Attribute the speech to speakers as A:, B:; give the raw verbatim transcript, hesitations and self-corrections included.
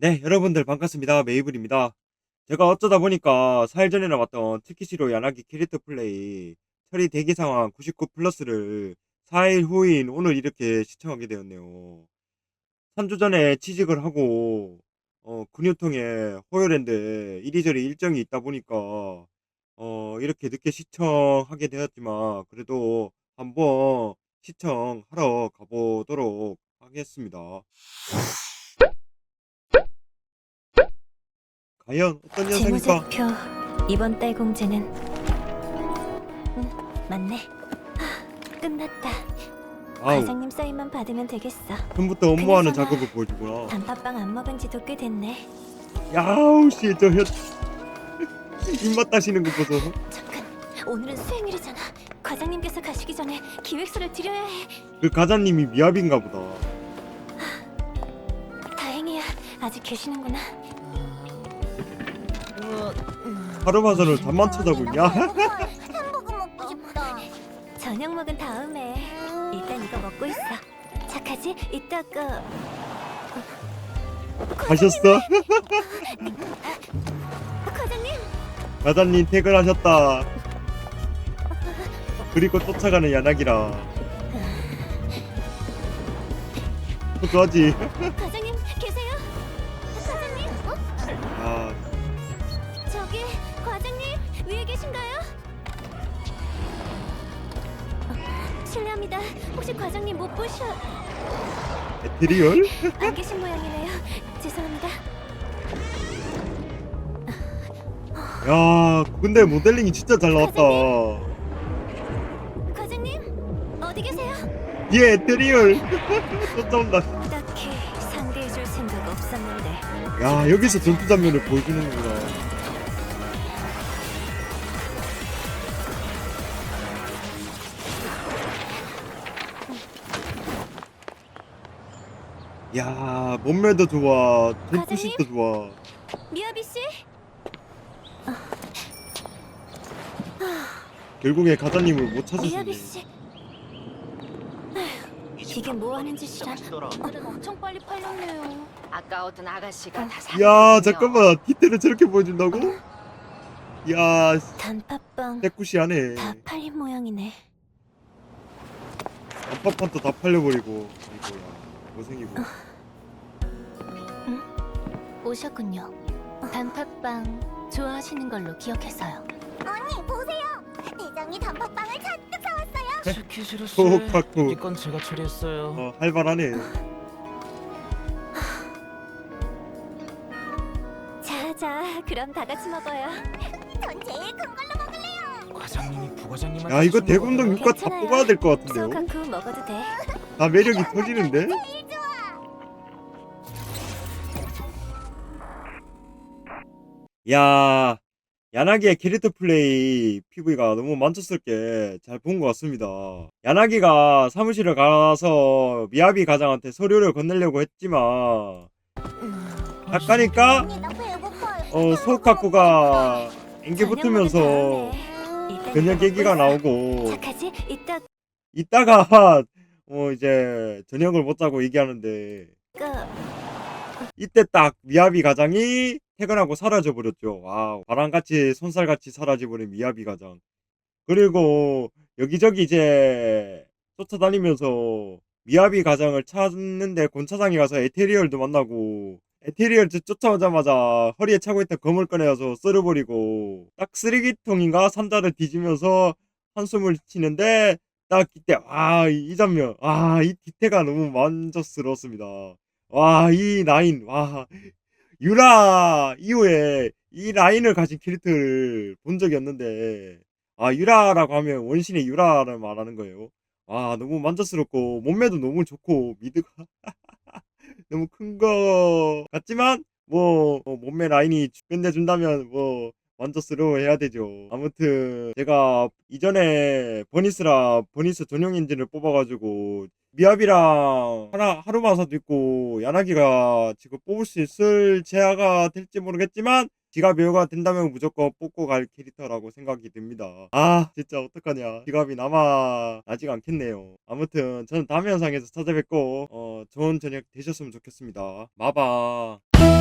A: 네, 여러분들 반갑습니다. 메이블입니다. 제가 어쩌다 보니까 사 일 전이나 봤던 트키시로 야나기 캐릭터 플레이 처리 대기 상황 구십구 플러스를 사 일 후인 오늘 이렇게 시청하게 되었네요. 삼 주 전에 취직을 하고 어, 근육통에 호요랜드 이리저리 일정이 있다 보니까 어, 이렇게 늦게 시청하게 되었지만 그래도 한번 시청하러 가보도록 하겠습니다. 과연 어떤 현상일까?
B: 재무제표 이번 달 공제는 응, 맞네. 하, 끝났다.
A: 아우,
B: 과장님 사인만 받으면 되겠어.
A: 처음부터 업무하는
B: 그나저나
A: 작업을 보여주구나.
B: 단팥빵 안 먹은 지도 꽤 됐네.
A: 야우 씨, 저 혀, 입맛 따시는 거 보소.
B: 잠깐, 오늘은 수행일이잖아. 과장님께서 가시기 전에 기획서를 드려야 해.
A: 그 가자님이 미합인가 보다.
B: 다행이야, 아직 계시는구나.
A: 하루마저를 잠만 쳐자고 있냐?
C: 햄버거 먹고 싶다.
B: 저녁 먹은 다음에 일단 이거 먹고 있어. 착하지? 이따가
A: 가셨어?
B: 과장님.
A: 가자님 퇴근하셨다. 그리고 쫓아가는 야나기라. 어떡하지?
B: 과장님 계세요? 과장님? 어?
A: 아,
B: 저기 과장님 위에 계신가요? 어, 실례합니다. 혹시 과장님 못 보셔?
A: 에테리얼?
B: 안 계신 모양이네요. 죄송합니다.
A: 야, 근데 모델링이 진짜 잘 나왔다.
B: 과장님 어디 계세요?
A: 얘 에테리얼. 쫓아온다.
B: 딱히 상대해줄 생각 없었는데.
A: 야, 여기서 전투 장면을 보여주는구나. 야, 몸매도 좋아, 전투신도 좋아.
B: 미야비 씨?
A: 결국에 가자님을 못
B: 미야비
A: 찾으시네.
B: 씨. 이게 뭐 하는 짓이야? 오늘은 엄청 빨리 팔렸네요.
C: 아까웠던 아가씨가 다
A: 야,
C: 사줬거든요.
A: 잠깐만, 디테일을 저렇게 보여준다고? 야,
B: 단팥빵
A: 떼꾸시하네.
B: 다 팔린 모양이네.
A: 안팎판도 다 팔려버리고. 아이고야, 고생이고.
B: 오셨군요. 단팥빵 좋아하시는 걸로 기억해서요.
C: 언니 보세요. 대장이 단팥빵을 잔뜩 사왔어요.
D: 스키시로 씨,
A: 호흡하고.
D: 이건 제가 처리했어요.
A: 어, 활발하네.
B: 자자, 그럼 다 같이 먹어요.
C: 전 제일 큰 걸로 먹을래요.
D: 과장님이 부과장님한테
A: 야, 이거
D: 주신
A: 대금동
D: 거거든요.
A: 육과 다
B: 괜찮아요.
A: 뽑아야 될 것 같은데요?
B: 소카쿠 먹어도 돼.
A: 다 매력이 터지는데?
C: 제일 좋아.
A: 야, 야나기의 캐릭터 플레이 피브이가 너무 만족스럽게 잘 본 것 같습니다. 야나기가 사무실에 가서 미야비 가장한테 서류를 건네려고 했지만 아까니까
C: 언니 나 배고파요.
A: 어, 소카쿠가 앵기 붙으면서 그냥 얘기가 나오고
B: 착하지? 이따
A: 이따가 어 이제 저녁을 못 자고 얘기하는데
B: 가
A: 이때 딱 미야비 가장이 퇴근하고 사라져 버렸죠. 와, 바람같이 손살같이 사라져버린 미야비 가장. 그리고 여기저기 이제 쫓아다니면서 미야비 가장을 찾는데 곤차장에 가서 에테리얼도 만나고 에테리얼 쫓- 쫓아오자마자 허리에 차고 있던 검을 꺼내서 썰어버리고 딱 쓰레기통인가 상자를 뒤지면서 한숨을 치는데 딱 이때 와, 이 장면, 와, 이 디테가 너무 만족스러웠습니다. 와, 이 라인, 와, 유라 이후에 이 라인을 가진 캐릭터를 본 적이 없는데, 아, 유라라고 하면 원신의 유라를 말하는 거예요. 와, 너무 만족스럽고 몸매도 너무 좋고 미드가 너무 큰 거 같지만 뭐 어, 몸매 라인이 끝내준다면 뭐 만족스러워해야 되죠. 아무튼 제가 이전에 버니스라 버니스 전용 엔진을 뽑아가지고 미압이랑 하나 하루마사도 있고 야나기가 지금 뽑을 수 있을 제아가 될지 모르겠지만 지갑 여유가 된다면 무조건 뽑고 갈 캐릭터라고 생각이 듭니다. 아, 진짜 어떡하냐. 지갑이 남아 나지가 않겠네요. 아무튼 저는 다음 영상에서 찾아뵙고 어, 좋은 저녁 되셨으면 좋겠습니다. 마바.